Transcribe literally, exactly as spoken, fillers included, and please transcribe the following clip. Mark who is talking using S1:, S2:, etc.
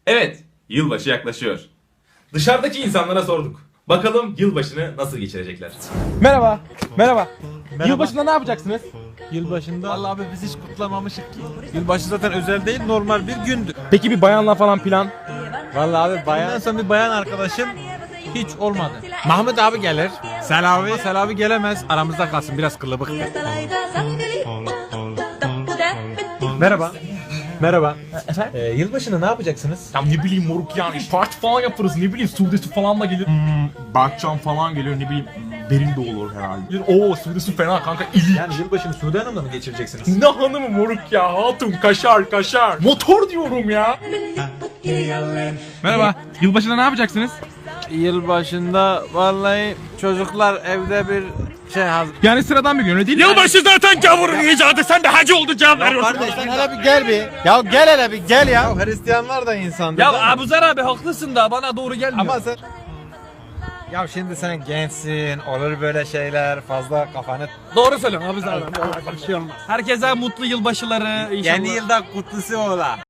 S1: Evet, yılbaşı yaklaşıyor. Dışarıdaki insanlara sorduk. Bakalım yılbaşını nasıl geçirecekler?
S2: Merhaba. Merhaba.
S3: Merhaba.
S2: Yılbaşında ne yapacaksınız?
S3: Yılbaşında vallahi abi biz hiç kutlamamışık ki. Yılbaşı zaten özel değil, normal bir gündü.
S2: Peki bir bayanla falan plan?
S3: Vallahi abi bayan. Ondan sonra bir bayan arkadaşım hiç olmadı. Mahmut abi gelir. Selavi. Selavi gelemez. Aramızda kalsın, biraz kılıbık. Merhaba. Merhaba.
S2: Efendim?
S3: Ee, yılbaşında ne yapacaksınız?
S2: Ya ne bileyim moruk yani parti falan yaparız, ne bileyim Suudesi falan da gelir. Hmm, Berkcan falan geliyor, ne bileyim Derin de olur herhalde. Oo Suudesi fena kanka, ili.
S3: Yani yılbaşını Suudi Hanım'la mı geçireceksiniz?
S2: Ne hanımı moruk ya, hatun kaşar kaşar. Motor diyorum ya. Merhaba. Yılbaşında ne yapacaksınız?
S3: Yılbaşında vallahi çocuklar evde bir şey hazır.
S2: Yani sıradan bir gün öyle değil. Yılbaşı zaten gavurun icadı, sen de hacı oldu cevap veriyorsun.
S3: Kardeş sen hele bir gel bir. Ya gel hele bir gel ya. Ya Hristiyanlar da insandır.
S4: Ya
S3: değil mi?
S4: Abuzer abi haklısın da bana doğru gelmiyor.
S3: Ama sen... Ya şimdi sen gençsin, olur böyle şeyler, fazla kafanı...
S4: Doğru söylüyorsun Abuzer abi. Bir şey olmaz. Herkese mutlu yılbaşıları inşallah.
S3: Yeni yılda kutlusu ola.